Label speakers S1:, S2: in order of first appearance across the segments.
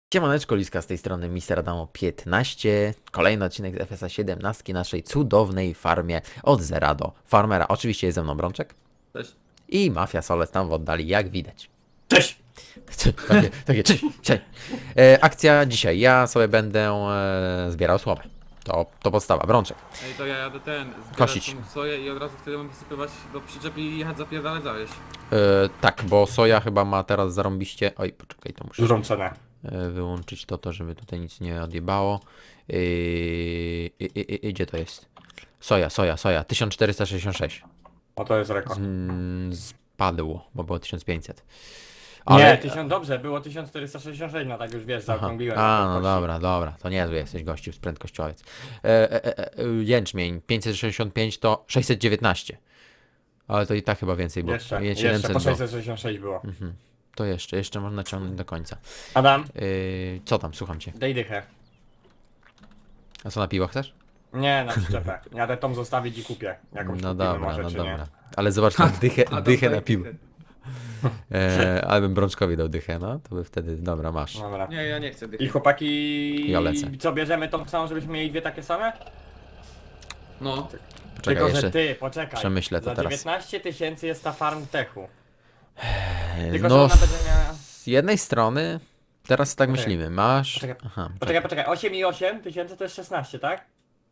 S1: Siemaneczko, Liska z tej strony Mister Adamo 15. Kolejny odcinek z FSA 17 naszej cudownej farmie od zera do farmera. Oczywiście jest ze mną Brączek
S2: Cześć.
S1: i Mafia Soles tam w oddali, jak widać.
S2: Cześć!
S1: Takie cześć, cześć. Akcja dzisiaj. Ja sobie będę zbierał słomę. To podstawa. Brączek.
S2: Ej, to ja jadę
S1: Kosić.
S2: zbierać tą soję i od razu wtedy mam wysypywać do przyczep i jechać zapierdalać zawieź.
S1: Tak, bo soja chyba ma teraz zarąbiście... Oj, poczekaj, to muszę
S3: Dużą cenę.
S1: wyłączyć to, żeby tutaj nic nie odjebało. Gdzie to jest? Soja. 1466.
S3: O, to jest rekord.
S1: Spadło, bo było 1500.
S3: Nie, dobrze, było 1466, no tak już wiesz, zaokrągliłem.
S1: No dobra, to niezły jesteś gościu, z prędkościowiec. Jęczmień 565 to 619. Ale to i tak chyba więcej było.
S3: Jeszcze
S1: 700
S3: po
S1: było.
S3: 666 było.
S1: To jeszcze można ciągnąć do końca.
S3: Adam,
S1: Co tam, słucham cię.
S3: daj dychę.
S1: A co, na piwo chcesz?
S3: Nie, na przyczepę. Jadę tą zostawić i kupię. Jakąś
S1: No
S3: kupimy
S1: dobra,
S3: może,
S1: no
S3: czy
S1: dobra.
S3: nie.
S1: Ale zobacz tam dychę na piwo.
S2: Nie,
S1: Ale bym Brączkowi dał dychę, no to by wtedy, dobra, masz.
S3: Dobra.
S2: ja nie chcę dychy.
S3: I chłopaki...
S1: Ja lecę.
S3: Co, bierzemy tą samą, żebyśmy mieli dwie takie same?
S2: No.
S1: Poczekaj,
S3: Tylko,
S1: jeszcze
S3: że ty, poczekaj.
S1: przemyślę to
S3: za
S1: teraz.
S3: 19 000 jest ta farm techu. Tylko, że
S1: No,
S3: ona będzie miała...
S1: z jednej strony, teraz tak
S3: Poczekaj.
S1: myślimy, masz...
S3: Poczekaj.
S1: Aha,
S3: Poczekaj, 8,8 tysięcy to jest 16, tak?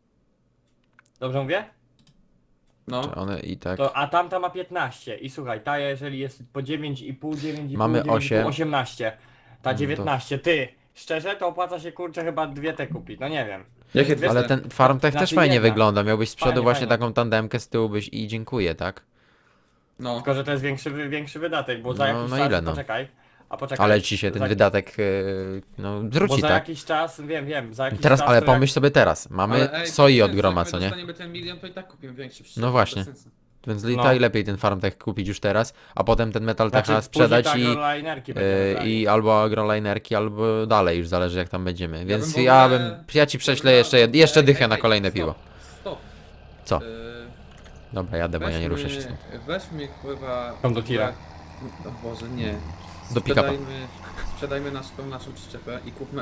S3: Dobrze mówię?
S2: No.
S1: one i tak...
S3: A tamta ma 15 i słuchaj, ta jeżeli jest po 9,5, 9,5,
S1: Mamy
S3: 9,5,
S1: 8.
S3: 18, ta
S1: to-
S3: 19, ty, szczerze to opłaca się kurczę chyba dwie te kupić, no nie wiem.
S2: Jakie
S3: Wiesz,
S1: Ale ten FarmTech też
S3: Znaczy
S1: fajnie
S3: jedna.
S1: wygląda, miałbyś z przodu
S3: Fajnie,
S1: właśnie
S3: fajnie.
S1: taką tandemkę, z tyłu byś i dziękuję, tak?
S2: No.
S3: Tylko, że to jest większy wydatek, bo za
S1: No,
S3: jakiś
S1: no
S3: czas,
S1: ile, no?
S3: poczekaj,
S1: Ale ci się ten
S3: za,
S1: wydatek, no,
S3: bo
S1: zwróci,
S3: za
S1: tak?
S3: jakiś czas, wiem, za jakiś
S1: Teraz,
S3: czas
S1: ale
S3: to jak-
S1: pomyśl sobie teraz, mamy
S2: Ale ej,
S1: soi
S2: to
S1: od
S2: sensu,
S1: groma,
S2: jak
S1: co
S2: my
S1: nie?
S2: dostaniemy ten milion, to i tak kupimy większy przyczep.
S1: No właśnie.
S2: Bez sensu.
S1: Więc
S3: No.
S1: i lepiej ten FarmTech kupić już teraz, a potem ten Metal
S3: Znaczy,
S1: Techa sprzedać
S3: później te
S1: i...
S3: agrolinerki będziemy brali.
S1: I albo agrolinerki, albo dalej, już zależy jak tam będziemy. Więc
S2: bym w
S1: ja
S2: ogóle-
S1: ci prześlę jeszcze
S2: Ej,
S1: dychę
S2: ej,
S1: na
S2: ej,
S1: kolejne
S2: stop,
S1: piwo.
S2: Stop.
S1: Co? Dobra, jadę, bo ja nie
S2: weźmy-
S1: ruszę się stąd.
S2: Weźmy pływa...
S3: Tam do tira.
S2: O Boże, nie.
S1: Do pick-upa.
S2: Sprzedajmy naszą przyczepę i kupmy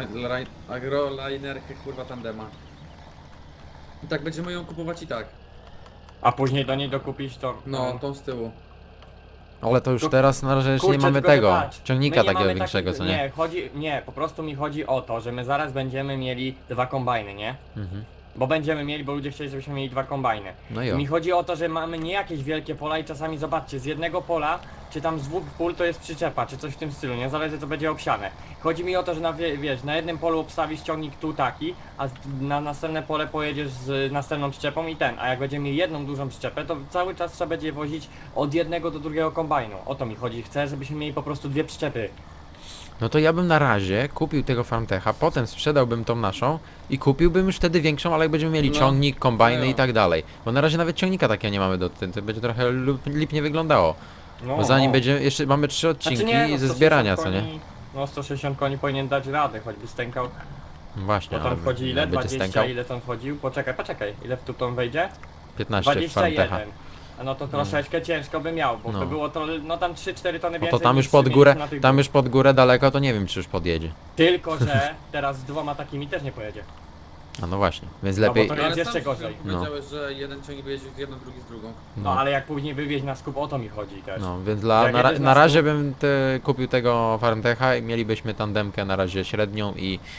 S2: agrolinerkę kurwa tandema. I tak będziemy ją kupować i tak.
S3: A później do niej dokupić to...
S2: No, tą z tyłu.
S1: Ale to już
S3: To-
S1: teraz na razie jeszcze nie
S3: Kurczę,
S1: mamy
S3: tylko, że
S1: tego,
S3: patrz,
S1: ciągnika
S3: my nie
S1: takiego
S3: mamy
S1: większego, co nie?
S3: Nie, po prostu mi chodzi o to, że my zaraz będziemy mieli dwa kombajny, nie?
S1: Mhm.
S3: Bo będziemy mieli, bo ludzie chcieli, żebyśmy mieli dwa kombajny.
S1: No i o.
S3: Mi chodzi o to, że mamy nie jakieś wielkie pola i czasami zobaczcie, z jednego pola, czy tam z dwóch pól to jest przyczepa, czy coś w tym stylu, nie zależy co będzie obsiane. Chodzi mi o to, że wiesz, na jednym polu obstawisz ciągnik tu taki, a na następne pole pojedziesz z następną przyczepą i ten, a jak będziemy mieli jedną dużą przyczepę, to cały czas trzeba będzie wozić od jednego do drugiego kombajnu. O to mi chodzi, chcę, żebyśmy mieli po prostu dwie przyczepy.
S1: No to ja bym na razie kupił tego FarmTecha, potem sprzedałbym tą naszą i kupiłbym już wtedy większą, ale jak będziemy mieli
S2: No.
S1: ciągnik, kombajny
S2: No.
S1: i tak dalej. Bo na razie nawet ciągnika takiego nie mamy to będzie trochę lipnie wyglądało.
S3: No,
S1: Bo zanim
S3: no.
S1: będzie, jeszcze mamy 3 odcinki
S3: Znaczy nie, no,
S1: ze
S3: 160
S1: zbierania, co nie?
S3: koni- No 160 koni powinien dać radę, choćby stękał.
S1: Właśnie,
S3: Bo tam
S1: ale
S3: wchodzi ile?
S1: będzie
S3: 20,
S1: stękał?
S3: ile tam wchodził? Poczekaj, ile w tu wejdzie?
S1: 15 w FarmTecha.
S3: 21. A no to troszeczkę ciężko by miał, bo
S1: No.
S3: to było to, no tam 3-4 tony
S1: No
S3: więcej
S1: to tam
S3: niż
S1: już pod
S3: mieliśmy
S1: górę,
S3: na tych
S1: tam
S3: dwóch.
S1: już pod górę daleko, to nie wiem czy już podjedzie.
S3: Tylko, że teraz z dwoma takimi też nie pojedzie.
S1: A no właśnie, więc
S3: No bo
S1: lepiej...
S3: to- jest jeszcze gorzej.
S2: Powiedziałeś, że jeden ciągnik wyjeździł z jedną, drugi z drugą.
S3: No ale jak później wywieźć na skup, o to mi chodzi też.
S1: No, więc
S3: Jak
S1: na
S3: jedziesz na
S1: razie
S3: stół-
S1: bym kupił tego FarmTecha i mielibyśmy tandemkę na razie średnią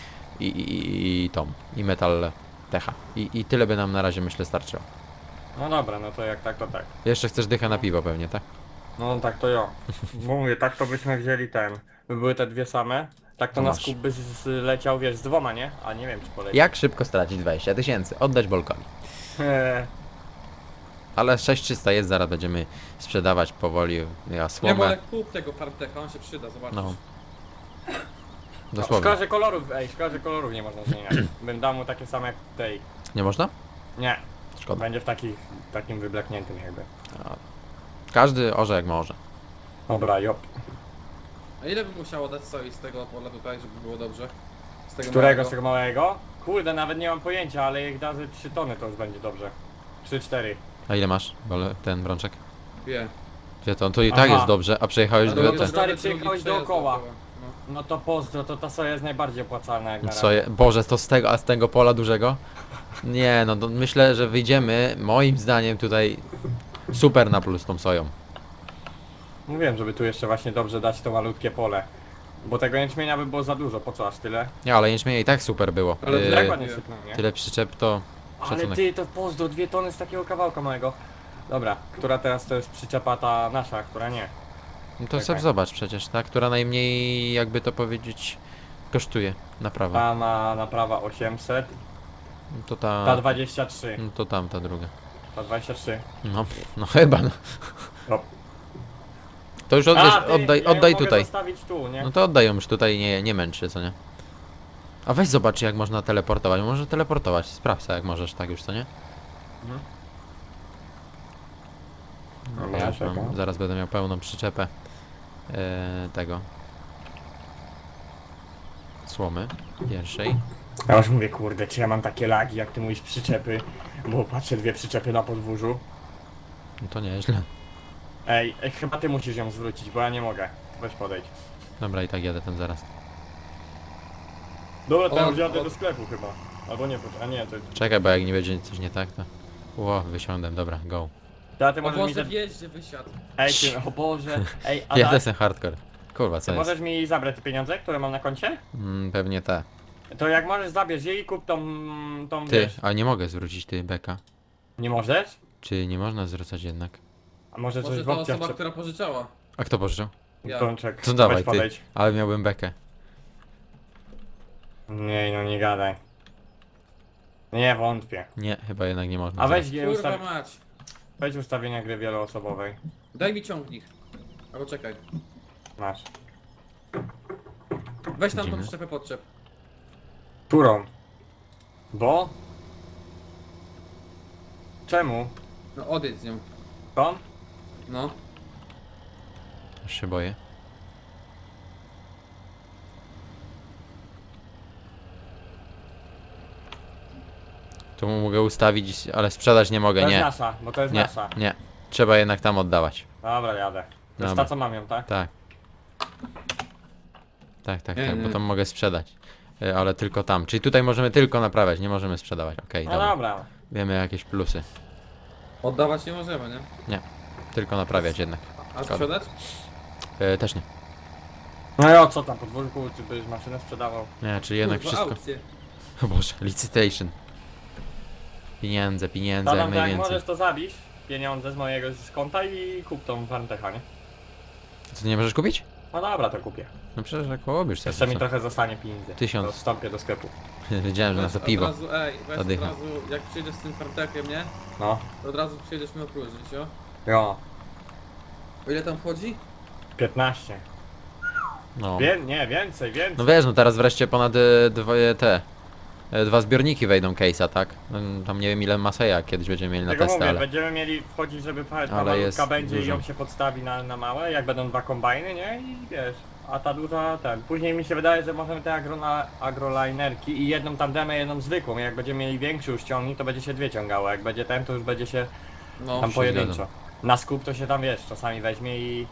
S1: i tą, i Metal Techa. I tyle by nam na razie myślę starczyło.
S3: No dobra, no to jak tak, to tak.
S1: Jeszcze chcesz dychę na piwo pewnie, tak?
S3: No tak to ja. Bo mówię, tak to byśmy wzięli ten. By były te dwie same. Tak to
S1: No
S3: na
S1: masz.
S3: skup by leciał, wiesz, z dwoma, nie? A nie wiem czy poleci.
S1: Jak szybko stracić 20 000? Oddać Bolkowi.
S3: Eee,
S1: 6300 jest, zaraz będziemy sprzedawać powoli ja
S2: Nie, bo
S1: słomę.
S2: ale kup tego FarmTecha, on się przyda, zobaczysz.
S1: No.
S3: no,
S1: Dosłownie.
S3: szkoda, że kolorów, szkoda, że kolorów nie można zmieniać. Bym dał mu takie same jak tej.
S1: Nie można?
S3: Nie,
S1: Szkoda.
S3: będzie w takim wyblakniętym jakby.
S1: Każdy orze jak może.
S3: Dobra, jop.
S2: A ile by musiało dać soi z tego pola tutaj, żeby było dobrze? Z tego
S3: Którego
S2: małego?
S3: z tego małego? Kurde, nawet nie mam pojęcia, ale jak da ze 3 tony to już będzie dobrze. 3-4.
S1: A ile masz, ten Brączek?
S2: Wie.
S1: Gdzie to? To i tak
S3: Aha.
S1: jest dobrze, a przejechałeś
S3: No
S1: dwie
S3: to
S1: te...
S3: stary,
S2: drugi
S3: przyjechałeś
S2: przejazd
S3: dookoła.
S2: No.
S3: No to pozdro, to ta soja jest najbardziej opłacalna jak na
S1: Co
S3: razie.
S1: je... Boże, to z tego, a z tego pola dużego? Nie, no to myślę, że wyjdziemy, moim zdaniem tutaj super na plus tą soją.
S3: Mówiłem, żeby tu jeszcze właśnie dobrze dać to malutkie pole. Bo tego jęczmienia by było za dużo, po co aż tyle?
S1: Nie, ale jęczmienia i tak super było.
S2: Ale
S3: Tak ładnie sypnął, nie?
S1: Tyle przyczep to
S3: Ale
S1: szacunek.
S3: ty, to pozdro, 2 tony z takiego kawałka małego. Dobra, która teraz to jest przyczepa ta nasza, która nie?
S1: No to
S3: czekaj.
S1: sobie zobacz przecież, ta, która najmniej, jakby to powiedzieć, kosztuje naprawa.
S3: Ta ma naprawa 800,
S1: No to
S3: ta
S1: ta...
S3: 23,
S1: No to tamta druga.
S3: ta 23.
S1: No, no chyba no.
S3: No.
S1: To już
S3: A,
S1: oddaj,
S3: ja ją
S1: oddaj
S3: mogę
S1: tutaj.
S3: zostawić tu, nie?
S1: No to oddaj ją już tutaj, nie męczy, co nie? A weź zobacz jak można teleportować, może teleportować, sprawdź jak możesz, tak już, co nie?
S3: Mhm.
S1: No,
S3: Dobra,
S1: ja już mam,
S3: czekam.
S1: zaraz będę miał pełną przyczepę tego słomy pierwszej.
S3: Ja już mówię, kurde, czy ja mam takie lagi, jak ty mówisz przyczepy, bo patrzę 2 przyczepy na podwórzu.
S1: No to nieźle.
S3: Ej, chyba ty musisz ją zwrócić, bo ja nie mogę. Weź podejdź.
S1: Dobra, i tak jadę tam zaraz.
S3: Dobra, to ja
S2: O,
S3: już jadę
S2: o.
S3: do sklepu chyba. Albo nie, a nie, to...
S1: Czekaj, bo jak nie będzie coś nie tak, to... Ło, wysiądę, dobra, go.
S3: Ja ty
S2: O
S3: możesz mi...
S2: Boże, wjeździe wysiadł.
S3: Ej, ty, o Boże. Ej, a
S1: Ja
S3: tak,
S1: to jestem hardcore. Kurwa,
S3: ty
S1: co jest?
S3: możesz mi zabrać te pieniądze, które mam na koncie?
S1: Pewnie te.
S3: To jak możesz, zabierz je i kup tą
S1: Ty,
S3: wiesz.
S1: ale nie mogę zwrócić ty, Beka.
S3: Nie możesz?
S1: Czy nie można zwracać jednak?
S3: A może coś
S2: Może
S3: w
S2: ta
S3: opcjach...
S2: osoba, która pożyczała.
S1: A kto pożyczył?
S2: Ja.
S3: Pączek,
S1: To dawaj
S3: weź
S1: ty,
S3: podejdź.
S1: ale miałbym bekę.
S3: Nie, no nie gadaj. Nie, wątpię.
S1: Nie, chyba jednak nie można.
S3: A weź,
S2: Kurwa mać.
S3: weź ustawienia gry wieloosobowej.
S2: Daj mi ciągnik. Albo czekaj.
S3: Masz.
S2: Weź tam tą
S1: Widzimy.
S2: przyczepę podczep.
S3: Którą? Bo? Czemu?
S2: No odejdź z nią.
S3: Tą?
S2: No.
S1: Już się boję. Tu mogę ustawić, ale sprzedać nie mogę,
S3: To jest
S1: nie.
S3: nasza, bo to jest
S1: Nie,
S3: nasza.
S1: nie. Trzeba jednak tam oddawać.
S3: Dobra, jadę. To jest
S1: Dobra.
S3: ta, co mam ją, tak?
S1: Tak. Tak,
S2: Nie,
S1: tak,
S2: nie.
S1: bo tam mogę sprzedać. Ale tylko tam. Czyli tutaj możemy tylko naprawiać, nie możemy sprzedawać. Okej,
S3: No
S1: dobra.
S3: dobra.
S1: Wiemy jakieś plusy.
S2: Oddawać nie możemy, nie?
S1: Tylko naprawiać jednak.
S2: A sprzedać?
S1: Też nie.
S3: No i o co tam, podwórku, czy byś maszynę sprzedawał?
S1: Nie, czyli jednak
S2: Kurwa,
S1: wszystko.
S2: aukcje.
S1: O Boże, licytation. Pieniądze, pieniądze, jak
S3: Tadam, jak
S1: najwięcej.
S3: możesz to zabić, pieniądze z mojego z konta i kup tą Farmtecha, nie?
S1: Co ty nie możesz kupić?
S3: No dobra, to kupię.
S1: No przecież jak połobisz sobie.
S3: Jeszcze mi
S1: co?
S3: trochę zostanie pieniędzy.
S1: 1000.
S3: To wstąpię do sklepu.
S1: Wiedziałem, że na to
S2: Weź
S1: piwo.
S2: Od razu, ej, weź
S1: Zadycha.
S2: od razu, jak przyjedziesz z tym fartekiem, nie?
S3: No.
S2: To od razu przyjedziesz mi opróżnić, jo?
S3: Jo.
S2: O ile tam wchodzi?
S3: 15.
S1: No.
S3: Nie, więcej, więcej.
S1: No wiesz, no teraz wreszcie ponad dwa zbiorniki wejdą case'a, tak? Tam nie wiem ile Maseja kiedyś będziemy mieli na
S3: Tego
S1: testy,
S3: mówię,
S1: ale...
S3: będziemy mieli wchodzić, żeby ta
S1: Ale
S3: malutka
S1: jest
S3: będzie i
S1: dużo.
S3: ją się podstawi na małe, jak będą 2 kombajny, nie? I wiesz, a ta duża ten. Później mi się wydaje, że możemy te agrolinerki i jedną tandemę, jedną zwykłą. Jak będziemy mieli większy już ciągnik, to będzie się 2 ciągało. Jak będzie ten, to już będzie się
S2: No.
S3: tam
S1: się
S3: pojedynczo.
S1: zgadzam.
S3: Na skup to się tam, wiesz, czasami weźmie i...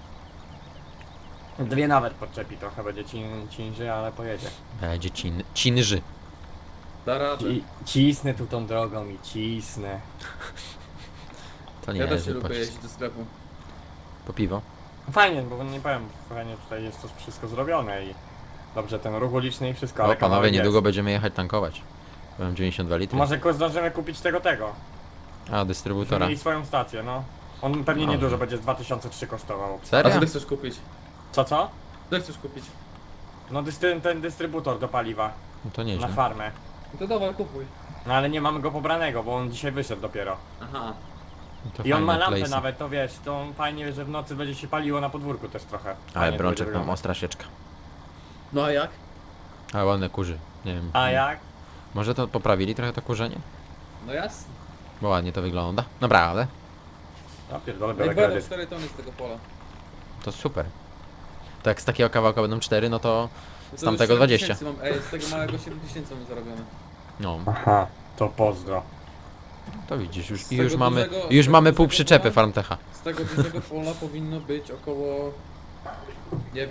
S3: 2 nawet podczepi, trochę będzie ciężej, ale pojedzie.
S1: Będzie cinży.
S2: Da radę.
S3: Cisnę tu tą drogą i cisnę.
S1: To nie
S2: Ja też
S1: jest
S2: się lubię
S1: pocisk.
S2: jeździć do sklepu.
S1: Po piwo.
S3: Fajnie, bo nie powiem, fajnie tutaj jest to wszystko zrobione i dobrze ten ruch uliczny i wszystko,
S1: O
S3: ale
S1: panowie,
S3: kawałek
S1: niedługo
S3: jest.
S1: będziemy jechać tankować. Mam 92 litry.
S3: Może zdążymy kupić tego.
S1: A, dystrybutora.
S3: Mieli swoją stację, no. On pewnie
S1: Dobrze.
S3: niedużo będzie z 2003 kosztował.
S2: A
S1: Serio?
S2: co ty chcesz kupić?
S3: Co?
S2: Co ty chcesz kupić?
S3: No ten dystrybutor do paliwa
S1: No to
S3: na
S1: nieźle.
S3: farmę.
S2: No to dawaj, kupuj.
S3: No ale nie mamy go pobranego, bo on dzisiaj wyszedł dopiero.
S2: Aha.
S1: No to
S3: I on ma
S1: fajne
S3: lampę
S1: place'y.
S3: nawet, to wiesz, to fajnie, że w nocy będzie się paliło na podwórku też trochę.
S1: Ale
S3: Fajnie to
S1: brączek
S3: będzie
S1: tam
S3: wyglądać.
S1: ostra sieczka.
S2: No a jak?
S1: Ale ładne kurzy. Nie wiem.
S3: A jak?
S1: Może to poprawili trochę to kurzenie?
S2: No jasne.
S1: Bo ładnie to wygląda. Naprawdę.
S3: No pierdolę,
S2: Jak
S3: biorę
S2: będą
S3: kredyt.
S2: 4 tony z tego pola.
S1: To super. To jak z takiego kawałka będą 4, no to
S2: No
S1: z
S2: to
S1: tamtego
S2: już
S1: 20.
S2: 7 000 Mam, ej, z tego małego 7000 mam zarobione.
S1: No,
S3: Aha, to pozdro.
S1: to widzisz, już,
S2: Z
S1: i już
S2: tego
S1: mamy,
S2: dużego-
S1: już
S2: z
S1: mamy
S2: tego
S1: pół
S2: dużego
S1: przyczepy
S2: pola?
S1: Farmtecha.
S2: Z tego dużego pola powinno być około... Nie wiem,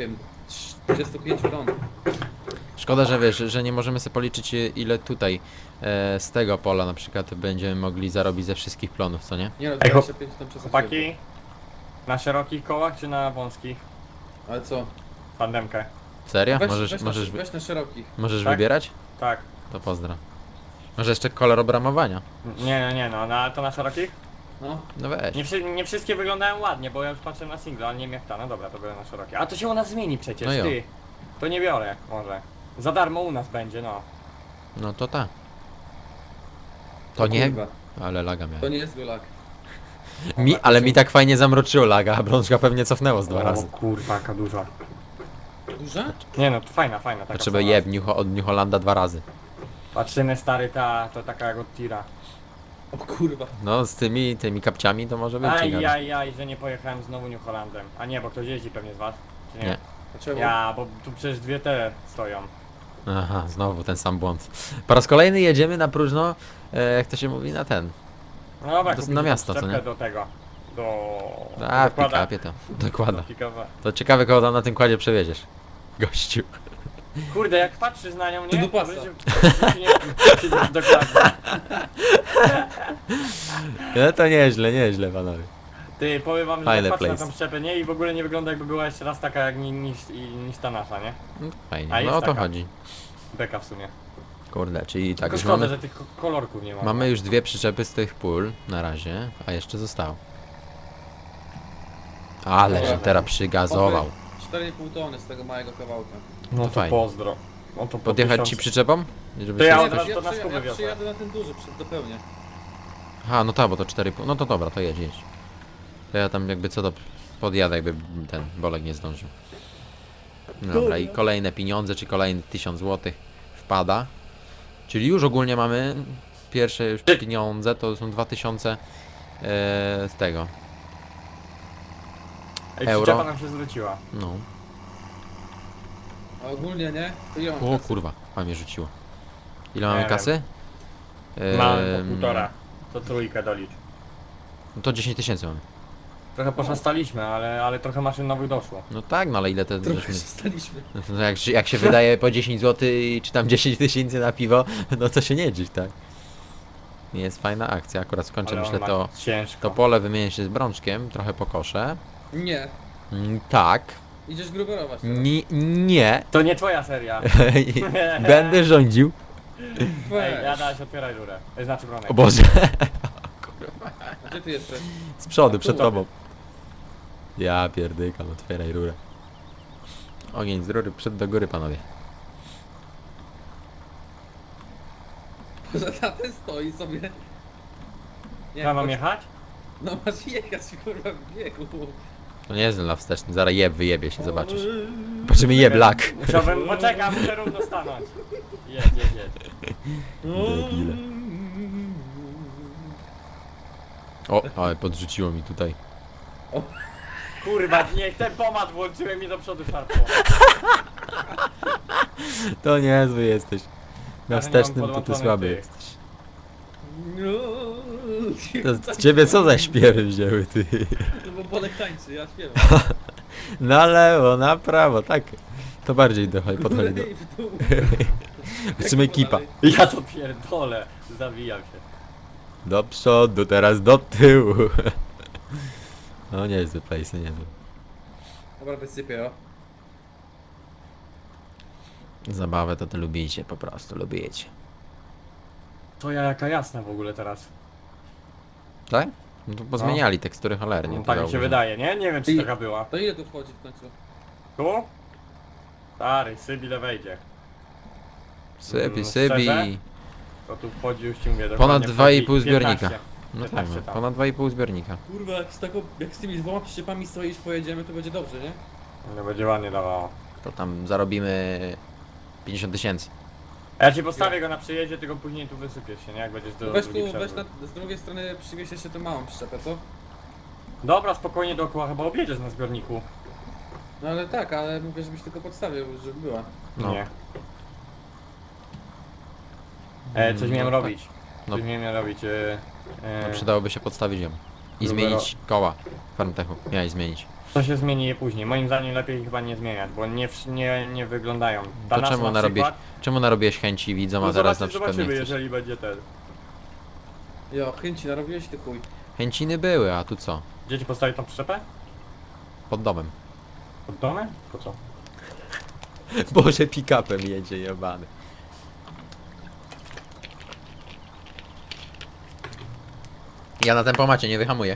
S2: 25 ton.
S1: Szkoda, że wiesz, że nie możemy sobie policzyć ile tutaj z tego pola na przykład będziemy mogli zarobić ze wszystkich plonów, co nie?
S2: Nie no,
S3: Ej,
S2: 25 ton przesadziłem.
S3: Chłopaki, na szerokich kołach czy na wąskich?
S2: Ale co?
S3: Tandemkę.
S1: Serio?
S2: Weź,
S1: możesz
S2: weź,
S1: możesz,
S2: weź na szerokich.
S1: możesz
S3: Tak?
S1: wybierać?
S3: Tak.
S1: To pozdro. Może jeszcze kolor obramowania?
S3: Nie, no, ale to na szerokich?
S2: No.
S1: No weź.
S3: Nie wszystkie wyglądają ładnie, bo ja już patrzę na single, ale nie wiem jak ta, no dobra, to biorę na szerokie. A to się u nas zmieni przecież,
S1: No jo.
S3: ty. To nie biorę, może. Za darmo u nas będzie, no.
S1: No to ta. To nie?
S2: Kurwa,
S1: Ale laga
S2: to
S1: miałem.
S2: nie jest lak.
S1: Ale mi tak fajnie zamroczyło laga, a brączka pewnie cofnęło z 2 razy.
S3: kurwa, jaka duża.
S2: Duża?
S3: Nie no, to fajna, taka
S1: Potrzeba
S3: sama.
S1: jeb od New Hollanda 2 razy.
S3: Patrzymy stary, to taka jak od tira.
S2: O kurwa.
S1: No z tymi kapciami to może być ciekawe.
S3: Aj, że nie pojechałem znowu New Hollandem. A nie, bo ktoś jeździ pewnie z was? Czy
S1: Nie.
S2: Dlaczego?
S3: Ja, bo tu przecież dwie te stoją.
S1: Aha, znowu ten sam błąd. Po raz kolejny jedziemy na próżno, jak to się mówi, na ten.
S3: No dobra,
S1: To
S3: kupić
S1: na miasto, co
S3: przyczepkę
S1: nie?
S3: do tego.
S1: A, w
S3: dokłada-
S1: pick-upie to. Dokłada.
S3: do pick-upa.
S1: To ciekawe kogo tam na tym kładzie przewieziesz. Gościu.
S3: Kurde, jak patrzysz na nią,
S2: To
S3: nie?
S2: do pasa.
S3: Dokładnie.
S1: No to nieźle panowie.
S3: Ty, powiem wam, że
S1: Fajny
S3: tak patrzę na
S1: place.
S3: tą przyczepę, nie? I w ogóle nie wygląda jakby była jeszcze raz taka jak niż ta nasza, nie?
S1: No to fajnie,
S3: A
S1: no
S3: jest
S1: o to
S3: taka.
S1: chodzi.
S3: Beka w sumie.
S1: Kurde, czyli tak
S3: Tylko
S1: już
S3: szkoda,
S1: mamy,
S3: że tych kolorków nie ma.
S1: mamy już 2 przyczepy z tych pól na razie, a jeszcze zostało. Ale że teraz przygazował.
S2: 4,5 tony z tego małego kawałka.
S3: No
S1: to
S3: to
S1: fajnie.
S3: pozdro. No to po
S1: Podjechać ci
S3: 1000.
S1: przyczepą? Żeby
S3: To ja
S1: się
S3: od razu-
S1: jakoś...
S3: to na skubę
S2: ja
S3: wiozę.
S2: przyjadę na ten duży, dopełnię.
S1: Aha, no tak, bo to 4,5. No to dobra, to jedź. To ja tam jakby co do podjadę, jakby ten Bolek nie zdążył. Dobra, i kolejne pieniądze, czy kolejny 1000 zł wpada. Czyli już ogólnie mamy pierwsze już pieniądze, to są 2000 z tego.
S3: Ej,
S1: euro.
S3: przyczepa nam się zwróciła.
S1: No.
S2: A ogólnie nie? To ile mam
S1: O
S2: kasy?
S1: kurwa, a mnie rzuciło. Ile mamy
S3: Nie
S1: kasy?
S3: Mamy po półtora. To trójkę dolicz.
S1: No to 10 000 mamy.
S3: Trochę poszastaliśmy, ale trochę maszyn nowych doszło.
S1: No tak, no ale ile to
S2: Trochę
S1: żeśmy...
S2: zostaliśmy.
S1: No jak się wydaje po 10 zł czy tam 10 000 na piwo, no to się nie dziś, tak? Nie jest fajna akcja, akurat skończę
S3: Ale
S1: myślę
S3: on ma
S1: to
S3: ciężko.
S1: pole, wymienię się z Brączkiem, trochę pokoszę.
S2: Nie.
S1: Tak.
S2: Idziesz gruberować teraz.
S1: Nie.
S3: To nie twoja seria.
S1: Będę rządził.
S3: Ej,
S2: Weź.
S3: Jadaś, otwieraj rurę. Znaczy bronek.
S1: O Boże.
S2: Gdzie ty jesteś?
S1: Z przodu, przed
S3: Tu.
S1: tobą. Ja pierdykam, otwieraj rurę. Ogień z rury, przed do góry panowie.
S2: Poza ten stoi sobie. Nie,
S3: Ja mam
S2: chodź-
S3: jechać?
S2: No masz jechać kurwa w biegu.
S1: To nie jest dla wsteczny, zaraz wyjebie się, zobaczysz. Patrzymy lak.
S3: Musiałbym, poczekam, muszę równo stanąć. Jedź.
S1: Debile. O, ale podrzuciło mi tutaj.
S3: Kurwa, niech ten pomad włączyłem i do przodu szarpło.
S1: To niezły jesteś. Na
S3: Ale nie mam
S1: wstecznym to ty
S3: podłączonych
S1: słaby
S3: tych.
S1: jesteś.
S2: No.
S1: To z ciebie co za śpiewy wzięły ty?
S2: No bo Bolek tańczy, ja śpiewam.
S1: Na lewo, na prawo, tak. To bardziej podchodzi do...
S2: Górę i w dół.
S1: Chcemy ekipa.
S2: dalej.
S3: Ja to pierdolę. Zawijam się.
S1: Do przodu, teraz do tyłu. No niezły place, niezły.
S2: Dobra, wysypię, o.
S1: Zabawę to lubicie, po prostu lubicie.
S3: To ja jaka jasna w ogóle teraz.
S1: Tak? No to pozmieniali tekstury cholernie.
S3: No,
S1: to
S3: tak mi się
S1: zauważyłem.
S3: wydaje, nie? Nie wiem czy
S2: I-
S3: taka była.
S2: To ile tu wchodzi w końcu?
S3: Tu? Stary, Sybile wejdzie.
S1: Sypi,
S3: Szczerze?
S1: sypi.
S3: To tu wchodzi już ci mówię.
S1: Ponad
S3: dokładnie
S1: 2,5
S3: wchodzi
S1: zbiornika.
S3: 15.
S1: No tak,
S3: 15
S1: no,
S3: tam.
S1: ponad 2,5 zbiornika.
S2: Kurwa, jak z tymi dwoma przyczepami stoisz, pojedziemy, to będzie dobrze, nie?
S3: No będzie ładnie dawało.
S1: To tam zarobimy 50 000.
S3: A ja ci postawię go na przyjeździe, tylko później tu wysypiesz się, nie? Jak będziesz do
S2: Weź
S3: drugiej
S2: tu, weź
S3: przerwy.
S2: z drugiej strony przywieź jeszcze tę małą przyczepę, co?
S3: Dobra, spokojnie dookoła, chyba objedziesz na zbiorniku.
S2: No ale tak, ale mówię, żebyś tylko podstawił, żeby była.
S1: No.
S3: Nie. Coś
S1: No
S3: miałem
S1: tak.
S3: robić.
S1: No.
S3: Coś miałem robić.
S1: No przydałoby się podstawić ją. I
S3: Numero-
S1: zmienić koła Farmtechu. Miałeś zmienić.
S3: To się zmieni je później. Moim zdaniem lepiej chyba nie zmieniać, bo nie wyglądają. Ta
S1: To
S3: nasza
S1: czemu
S3: na
S1: narobiłeś,
S3: przykład-
S1: czemu narobiłeś chęci widzom, a
S3: No
S1: teraz na przykład nie
S3: zobaczymy,
S1: chcesz?
S3: jeżeli będzie ten.
S2: Jo, chęci narobiłeś ty chuj.
S1: Chęciny były, a tu co?
S3: Gdzie ci postawić tą przyczepę?
S1: Pod domem.
S3: Pod domem? Po co?
S1: Boże, pick-upem jedzie jebany. Ja na tempomacie nie wyhamuję.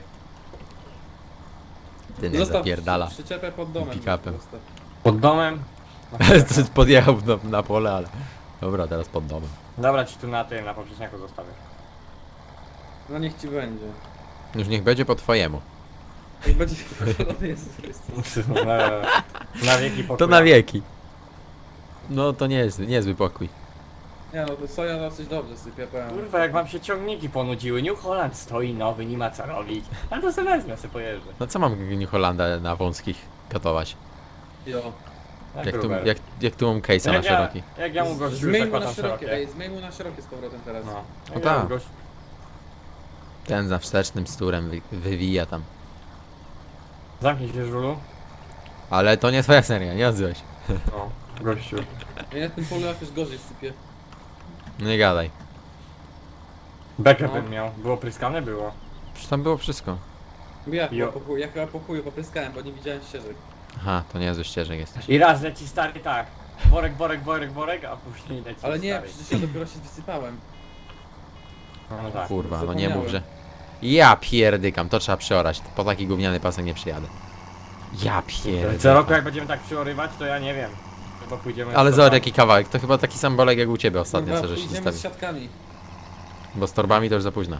S1: Ty nie zapierdala.
S2: przyczepę pod domem.
S1: Pick-upem.
S2: Zostaw.
S3: Pod domem?
S1: Podjechał na pole, ale... Dobra, teraz pod domem.
S3: Dobra, ci tu na tym, na poprzeczniaku zostawię.
S2: No niech ci będzie.
S1: Już niech będzie po twojemu.
S2: Jak będzie wypalony Jezus Chrystus.
S3: Na wieki pokój.
S1: To na wieki. No to nie jest niezły pokój.
S2: Nie no, to soja dosyć dobrze sypie, powiem.
S3: Kurwa, jak wam się ciągniki ponudziły, New Holland stoi nowy, nie ma co robić. Ale to sobie wezmę, sobie pojeżdżę.
S1: No co mam New Hollanda na wąskich katować?
S2: Jo.
S1: Jak tu mam case'a na szeroki.
S3: Jak ja mu gościu
S2: Zmień mu na
S3: zakładam
S2: szerokie,
S3: szerokie.
S2: ej, zmień mu na szerokie z powrotem teraz.
S3: No.
S1: O
S3: Jak
S1: tak.
S3: ja mu gościu-
S1: Ten za wstecznym sturem wywija tam.
S3: Zamknij się, żulu.
S1: Ale to nie twoja seria, nie odzywaj się.
S3: No, gościu.
S2: Ja na tym polu jakoś gorzej sypie.
S1: No nie gadaj.
S3: Bekę
S2: No.
S3: bym miał. Było pryskane? Było.
S1: Przecież tam było wszystko.
S2: Ja chyba po chuju popryskałem, bo nie widziałem ścieżek.
S1: Aha, to niezły ścieżek jesteś.
S3: I raz leci stary tak. Worek, a później leci
S2: Ale nie,
S3: stary.
S2: przecież ja dopiero się wysypałem.
S3: No tak.
S1: Kurwa, no nie mów,
S2: zapomniałem.
S1: że... Ja pierdykam, to trzeba przeorać. Po taki gówniany pasek nie przyjadę. Ja
S3: Co
S1: pierdykam.
S3: roku jak będziemy tak przyorywać, to ja nie wiem. Chyba pójdziemy...
S1: Ale
S3: z
S1: zobacz
S3: torbami.
S1: jaki kawałek, to chyba taki sam bolek jak u ciebie ostatnio, co żeś
S2: idziemy
S1: zostawił.
S2: z siatkami.
S1: Bo z torbami to już za późno.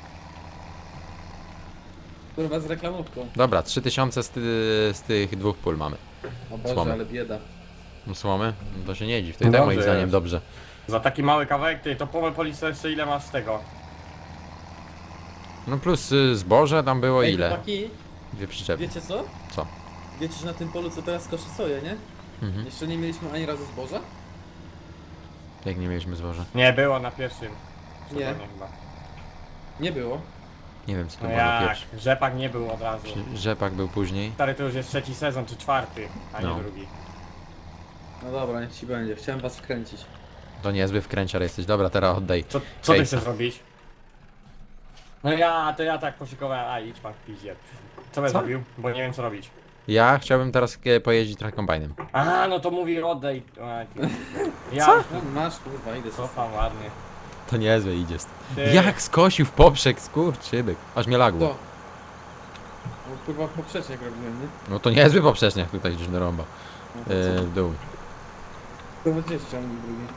S2: Kurwa z reklamówką.
S1: Dobra, 3000 z tych dwóch pól mamy.
S2: O Boże,
S1: Słomy.
S2: ale bieda.
S1: No słomy? No to się nie dziw, to i tak
S3: Dobrze
S1: moim zdaniem
S3: jest.
S1: dobrze.
S3: Za taki mały kawałek, ty to polisz jeszcze ile masz z tego?
S1: No plus zboże tam było
S2: Ej,
S1: ile?
S2: chłopaki,
S1: Dwie przyczepy.
S2: wiecie co?
S1: Co?
S2: Wiecie, że na tym polu co teraz koszy soję, nie?
S1: Mhm.
S2: Jeszcze nie mieliśmy ani razu zboża?
S1: Jak nie mieliśmy zboża?
S3: Nie, było na pierwszym.
S2: Nie.
S3: sezonie chyba.
S2: Nie było.
S1: Nie wiem co to
S3: No
S1: było na
S3: jak?
S1: pierwszy.
S3: Rzepak nie był od razu.
S1: Rzepak był później.
S3: Stary, to już jest trzeci sezon, czy czwarty, a nie
S1: No.
S3: drugi.
S2: No dobra, niech ci będzie. Chciałem was wkręcić.
S1: To niezły wkręciar jesteś. Dobra, teraz oddaj.
S3: Co ty
S1: Case'a.
S3: chcesz robić? No to ja tak poszykowałem, a idź pan w piździe. Co będę
S1: Co?
S3: zrobił? Bo nie wiem co robić.
S1: Ja chciałbym teraz pojeździć trochę kombajnem.
S3: A, no to mówi oddaj. A, ty. Ja
S1: Co?
S2: No, masz kurwa, idę sobie.
S3: cofam ładnie.
S1: To niezły idzie.
S3: Ty.
S1: Jak skosił w poprzek, skurczybyk. Aż mnie lagło.
S2: To. No, kurwa poprzecznik robiłem, nie?
S1: No to niezły poprzeczniak tutaj gdzieś narąba.
S2: No, to co?
S1: W dół.
S2: To będzie ściągnij drugi.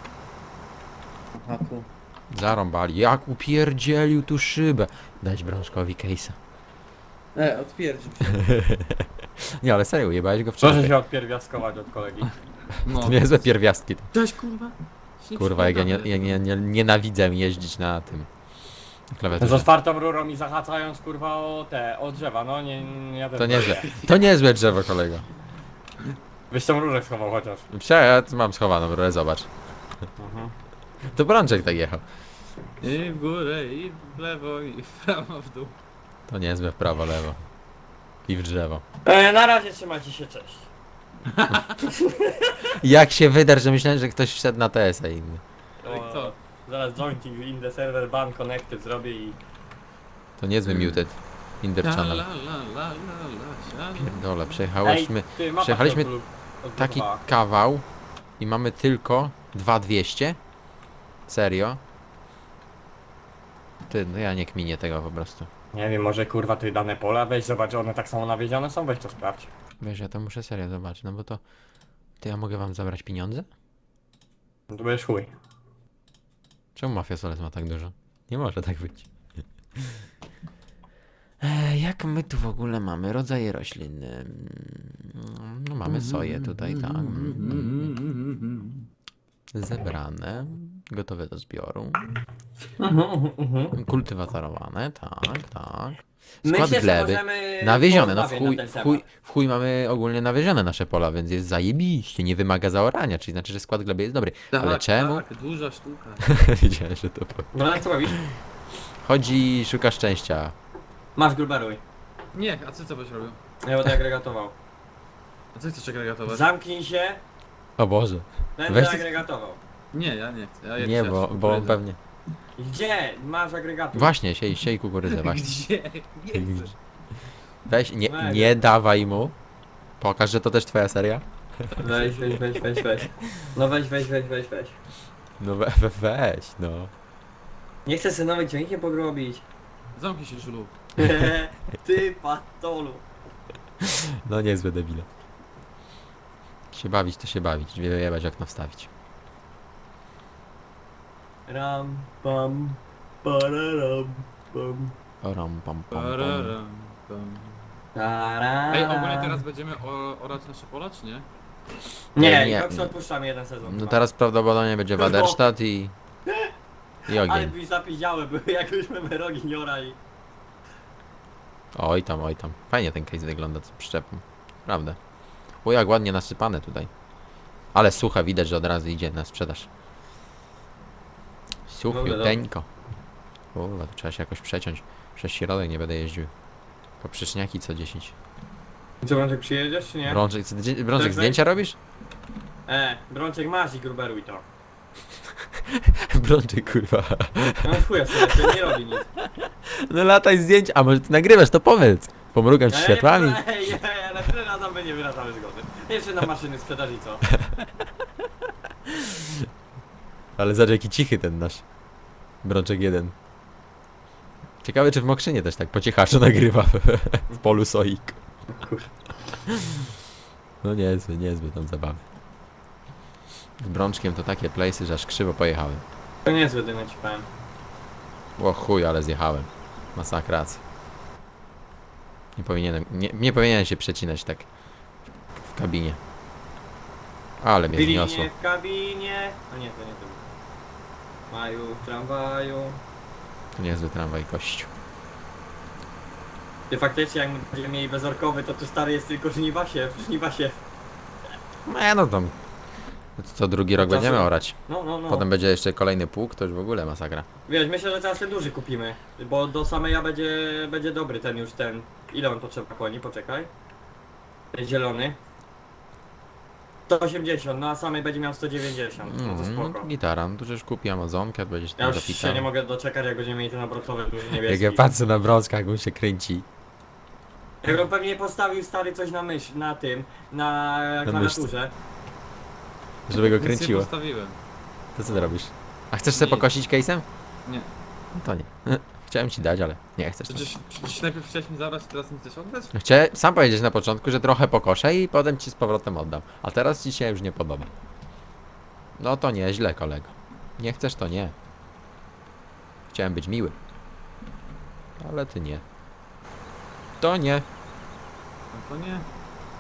S2: Aha, tu.
S1: Zarąbali. Jak upierdzielił tu szybę. Dać Brączkowi case'a.
S2: Odpierdził się.
S1: Nie, ale serio, jebałeś go w
S3: Proszę
S1: czapę.
S3: się odpierwiastkować od kolegi.
S2: No.
S1: To niezłe pierwiastki.
S2: Cześć kurwa. Się
S1: Kurwa, jak ja
S2: przygadamy.
S1: nienawidzę jeździć na tym.
S3: Z
S1: Klawiaturze.
S3: otwartą rurą i zahaczając kurwa o drzewa, no ja też.
S1: To niezłe. To niezłe drzewo, kolego.
S3: Byś tą rurę schował chociaż.
S1: Ja mam schowaną rurę, zobacz.
S3: Mhm.
S1: To Brączek tak jechał.
S2: I w górę, i w lewo, i w prawo, w dół.
S1: To niezłe w prawo, lewo. I w drzewo.
S3: Na razie trzymajcie się, cześć.
S1: Jak się wydarz, że myślałem, że ktoś wszedł na TS-a inny.
S2: Ale kto?
S3: Zaraz jointing in the server ban connected zrobię i...
S1: To niezły muted. In the
S2: La,
S1: channel.
S2: la, la, la, la, la, la.
S1: Pierdole, przejechałyśmy
S3: ty, mapa
S1: przejechaliśmy
S3: się
S1: taki
S3: odblokowała.
S1: kawał i mamy tylko 2200. Serio? Ty, no ja nie kminię tego po prostu.
S3: Nie wiem, może kurwa ty dane pola, weź zobacz, one tak samo nawiedzione są, weź to sprawdź.
S1: Wiesz, ja to muszę serio zobaczyć, no bo to... To ja mogę wam zabrać pieniądze?
S3: No to będziesz chuj.
S1: Czemu Mafia Soles ma tak dużo? Nie może tak być. Jak my tu w ogóle mamy rodzaje roślin? No mamy soję tutaj, tak. Zebrane, gotowe do zbioru. Kultywatorowane, tak, tak. Skład gleby. Nawiezione, no w chuj mamy ogólnie nawiezione nasze pola, więc jest zajebiście, nie wymaga zaorania, czyli znaczy, że skład gleby jest dobry. Ale czemu?
S2: Tak, duża sztuka.
S1: Wiedziałem, że to powiem.
S3: No ale co robisz?
S1: Chodzi i szuka szczęścia.
S3: Masz gruberuj.
S2: Nie, a ty co byś robił?
S3: Ja będę agregatował.
S2: A co chcesz agregatować?
S3: Zamknij się,
S1: O Boże.
S3: będę
S1: Weź-
S3: agregatował.
S2: Nie, ja nie chcę. Ja
S1: Nie, bo on pewnie...
S3: Gdzie? Masz agregator.
S1: Właśnie, siej kukurydzę, właśnie.
S2: Gdzie? Nie chcę.
S1: Weź, nie dawaj mu. Pokaż, że to też twoja seria.
S3: Weź. No weź.
S1: No weź, no.
S3: Nie chcę sobie nowy ciągnikiem pogrobić.
S2: Zamknij się, Żulu.
S3: Ty patolu.
S1: No niezłe debile. Się bawić to się bawić, wyjebać okno wstawić.
S3: Ram, pam, pararam, pam.
S1: Oram, pam, pam, pam.
S2: Pararam, pam.
S3: Taram.
S2: Ej, ogólnie teraz będziemy orać nasze pola, czy nie?
S3: Nie,
S1: Nie,
S3: i Cox
S1: nie.
S3: odpuszczamy jeden sezon.
S1: No
S3: chyba.
S1: teraz prawdopodobnie będzie Waderstadt i
S3: Ale
S1: ogień.
S3: byś zapiździały, były jak już my rogi nie orali.
S1: Oj tam. Fajnie ten case wygląda z przyczepą. Prawda. O, jak ładnie nasypane tutaj. Ale suche, widać, że od razu idzie na sprzedaż. Suchiuteńko. Kurwa, to trzeba się jakoś przeciąć. Przez środek nie będę jeździł. Poprzeczniaki co 10.
S3: Co, Brączek przyjedziesz czy nie?
S1: Brączek,
S3: Tak,
S1: zdjęcia robisz?
S3: Brączek masz i gruberuj to.
S1: Brączek, kurwa.
S3: No chuja sobie, to nie robi nic.
S1: No lataj zdjęć, a może ty nagrywasz, to powiedz. Pomrugam ci światłami.
S3: Ja na tyle razem nie wyrażamy zgody. Jeszcze na maszyny sprzedaż i co?
S1: Ale zobacz jaki cichy ten nasz Brączek 1. Ciekawe czy w Mokrzynie też tak po cichaczu nagrywa w polu soik. No niezły tam zabawy. Z Brączkiem to takie place'y, że aż krzywo pojechałem.
S3: To niezły dym, ci powiem.
S1: O chuj, ale zjechałem. Masakracja. Nie powinienem się przecinać tak w kabinie. Ale mnie zniosło.
S3: Bilinie w kabinie. A nie, to nie to. Maju w tramwaju.
S1: To niezły tramwaj kościół.
S3: Ty faktycznie jak będziemy mieli bezorkowy, to tu stary jest tylko żniwasiew.
S1: No tam. To drugi rok
S3: Czasem-
S1: będziemy orać.
S3: No.
S1: Potem będzie jeszcze kolejny pług, to już w ogóle masakra.
S3: Wiesz, myślę, że teraz ten duży kupimy. Bo do sameja będzie dobry ten już ten. Ile on potrzeba koni? Poczekaj. Ten zielony. 180, no a samej będzie miał 190. No to spoko.
S1: Gitara, no to już kupi Amazonkę, będziesz
S3: Ja
S1: tam
S3: już
S1: zapitał.
S3: się nie mogę doczekać, jak będziemy mieli ten obrotowy duży
S1: Jak
S3: niebieski.
S1: ja patrzę na Brączka, jak on się kręci.
S3: Jak on pewnie postawił stary coś na na tym, na klawiaturze.
S1: Żeby go
S2: Nic
S1: kręciło.
S2: nie postawiłem.
S1: To co ty robisz? A chcesz sobie
S2: Nie.
S1: pokosić case'em?
S2: Nie.
S1: No to nie. Chciałem ci dać, ale nie chcesz.
S2: Przecież najpierw chciałeś mi zabrać, teraz mi chcesz oddać?
S1: Chciałem sam powiedzieć na początku, że trochę pokoszę i potem ci z powrotem oddam. A teraz ci się już nie podoba. No to nieźle, kolego. Nie chcesz, to nie. Chciałem być miły. Ale ty nie. To nie.
S2: No to nie.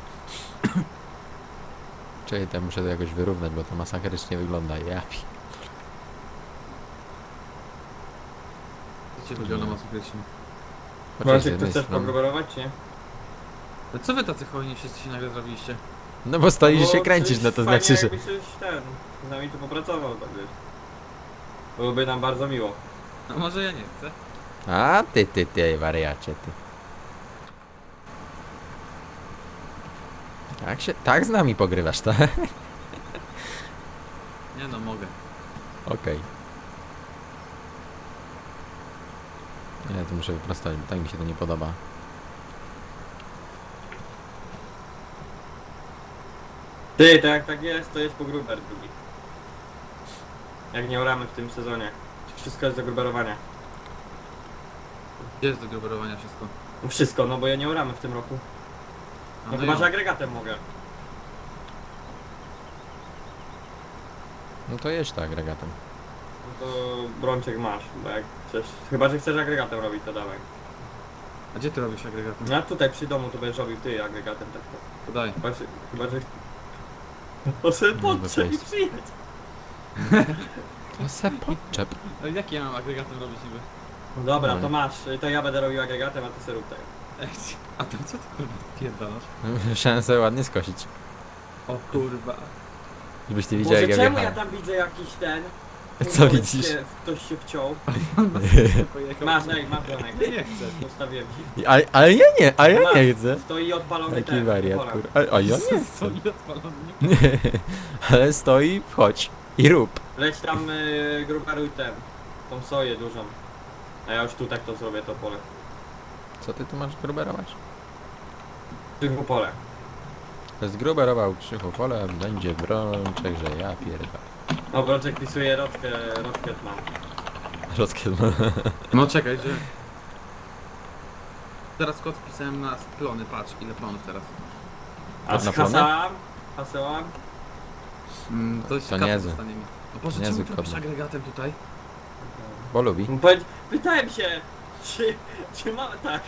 S1: Czekaj, to muszę to jakoś wyrównać, bo to masakrycznie wygląda. Ja pi...
S2: Co cię lubią na masakrycznie?
S1: Chociaż z
S3: Brączek, ty
S1: jednej
S3: chcesz
S1: strony-
S3: pogroberować, czy nie?
S2: Ale co wy tacy hojni wszyscy się nagle zrobiliście?
S1: No bo stoisz i
S3: Bo
S1: się kręcisz, no to
S3: fajnie,
S1: znaczy, że...
S3: jakbyś coś z nami tu popracował, tak wiesz. Byłoby nam bardzo miło.
S2: No może ja nie chcę.
S1: A ty, wariacie, ty. Tak z nami pogrywasz, tak?
S2: Nie no, mogę.
S1: Okej. Nie, to muszę wyprostować, bo tak mi się to nie podoba.
S3: Ty, tak jak tak jest, to jest po gruber drugi. Jak nie oramy w tym sezonie. Wszystko jest do gruberowania.
S2: Gdzie jest do gruberowania wszystko?
S3: No wszystko, no bo ja nie oramy w tym roku.
S2: A,
S3: No chyba,
S2: ja.
S3: że agregatem mogę.
S1: No to jedź tak, regatem.
S3: No to Brączek masz, bo jak chcesz... Chyba, że chcesz agregatem robić, to dawaj.
S2: A gdzie ty robisz agregatem?
S3: No a tutaj przy domu to będziesz robił ty agregatem, tak to.
S2: Podaj.
S3: Chyba, że... O sobie
S1: No,
S3: podczep i
S1: bez
S3: przyjedź.
S1: To se podczep.
S2: Ale jak ja mam agregatem robić niby?
S3: No dobra,
S1: No.
S3: to masz. To ja będę robił agregatem, a ty sobie rób tak.
S2: Ej, a tam co ty kurwa pierdalasz?
S1: Musiałem sobie ładnie skosić.
S2: O kurwa.
S1: Żebyś ty widział jak
S3: Boże,
S1: ja
S3: czemu ja
S1: wjechałem.
S3: tam widzę jakiś ten...
S1: Co widzisz?
S3: Ktoś się wciął.
S2: Pojechał.
S3: Masz bronek.
S2: Nie, nie chcę.
S3: Postawiłem ci.
S1: Ale ja nie, a ja
S3: Masz.
S1: nie chcę.
S3: Stoi odpalony
S1: Taki
S3: ten.
S1: wariat,
S3: pola.
S1: kur... A ja nie chcę.
S2: Stoi odpalony.
S1: Ale stoi, wchodź i rób.
S3: Leć tam grubaruj ten. Tą soję dużą. A ja już tu tak to zrobię, to pole.
S1: Co ty tu masz gruberować?
S3: Tylko pole.
S1: Zgruberował Krzychu pole, będzie brączek, że ja pierdolę.
S3: O, Broczek pisuje Rotket mam.
S1: Rozkiedma.
S2: No czekaj, że... Teraz kod wpisałem na plony, patrz ile plonów teraz.
S3: A
S1: Na
S3: z
S1: plony?
S3: hasełam?
S2: To
S1: To niezły.
S2: dostanie mi. O Boże,
S1: Niezły
S2: czemu robisz
S1: kod.
S2: agregatem tutaj?
S1: Bo lubi.
S3: Pytałem się, czy ma... Tak.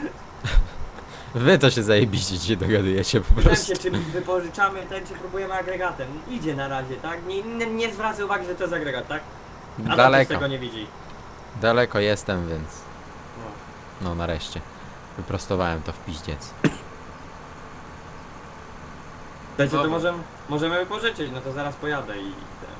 S1: Wy to się zajebiście się dogadujecie po
S3: Pytałem
S1: prostu.
S3: się, czy wypożyczamy ten, czy próbujemy agregatem. Idzie na razie, tak? Nie zwracaj uwagi, że to jest agregat, tak? A
S1: Daleko,
S3: tego nie widzi.
S1: daleko jestem, więc...
S3: No.
S1: No nareszcie. Wyprostowałem to w piździec.
S3: Słuchajcie, to
S2: Dobra.
S3: możemy wypożyczyć, no to zaraz pojadę i...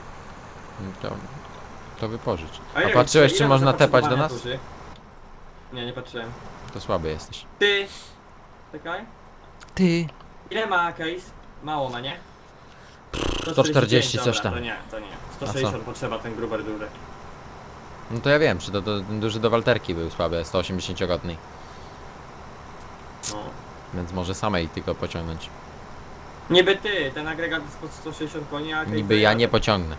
S1: To wypożycz.
S3: A
S1: A
S3: ile
S1: patrzyłeś,
S3: ile
S1: czy
S3: ma
S1: można tepać do
S3: zapotrzebowania
S1: nas?
S3: turzy? Nie, nie patrzyłem.
S1: To słaby jesteś.
S3: Ty! Czekaj.
S1: Ty!
S3: Ile ma case? Mało ma, nie?
S1: 140 coś
S3: dobra,
S1: tam.
S3: To nie. 160 potrzeba ten gruber duży.
S1: No to ja wiem, czy to ten duży do walterki był słaby, 180-godny.
S3: No.
S1: Więc może samej tylko pociągnąć.
S3: Niby ty, ten agregat jest pod 160 koni, a case
S1: Niby ja nie
S3: zajadę.
S1: pociągnę.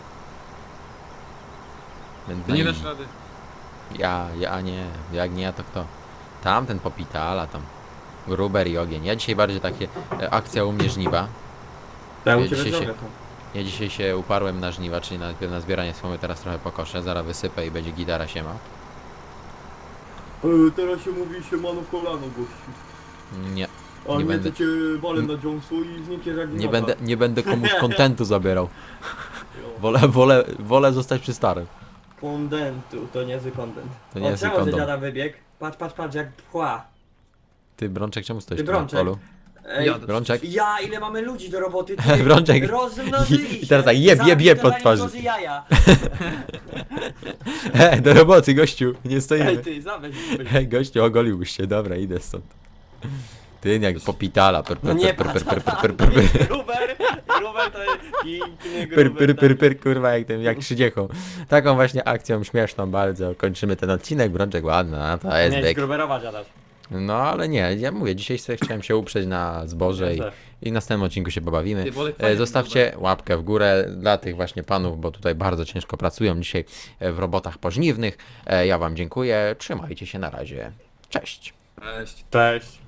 S1: Więc
S2: Ty nie
S1: no i-
S2: dasz rady.
S1: Ja nie. Jak nie ja to kto? Tamten popitala, tam. Gruber i ogień. Ja dzisiaj bardziej takie akcja u mnie żniwa.
S3: Ja u
S1: Ja
S3: ciebie
S1: dzisiaj
S3: drogę to.
S1: Ja dzisiaj się uparłem na żniwa, czyli najpierw na zbieranie słomy, teraz trochę pokoszę, zaraz wysypę i będzie gitara siema.
S3: Teraz się mówi się mano w kolano, gościu.
S1: Nie,
S3: A
S1: Nie
S3: nie
S1: będę-
S3: to cię walę na dziąsu i znikniesz jak
S1: nie będę komuś kontentu zabierał. Wolę zostać przy starym.
S3: Kontentu, to niezły kontent.
S1: To niezły
S3: czemu, że
S1: kondom.
S3: dziada wybieg? Patrz, jak pchła.
S1: Ty Brączek, czemu stoisz
S3: Ty,
S1: tu na
S3: Brączek.
S1: polu?
S3: Ej,
S2: Jadę.
S1: Brączek?
S3: ja, ile mamy ludzi do roboty, ty,
S1: Brączek.
S3: rozmnożyli
S1: I teraz tak, jeb
S3: Zabij
S1: pod
S3: to
S1: twarzy.
S3: na niektórzy jaja.
S1: Do roboty, gościu, nie
S3: Ej,
S1: stoimy.
S3: ty, zaweź.
S1: Gościu, ogoliłbyś się, dobra, idę stąd. Ty jak popitala,
S3: No nie patrz, Gruber to jest piękny Gruber.
S1: pyr, kurwa, jak krzydziechą. Taką właśnie akcją śmieszną bardzo kończymy ten odcinek. Brączek ładny, a to jest
S3: Miałeś
S1: bieg.
S3: Gruberowa dziadasz.
S1: No ale nie, ja mówię, dzisiaj sobie chciałem się uprzeć na zboże i w następnym odcinku się pobawimy.
S2: Ty, Bolek, fajnie
S1: Zostawcie łapkę w górę dla tych właśnie panów, bo tutaj bardzo ciężko pracują dzisiaj w robotach pożniwnych. Ja wam dziękuję, trzymajcie się, na razie. Cześć.
S2: Cześć.
S3: Cześć.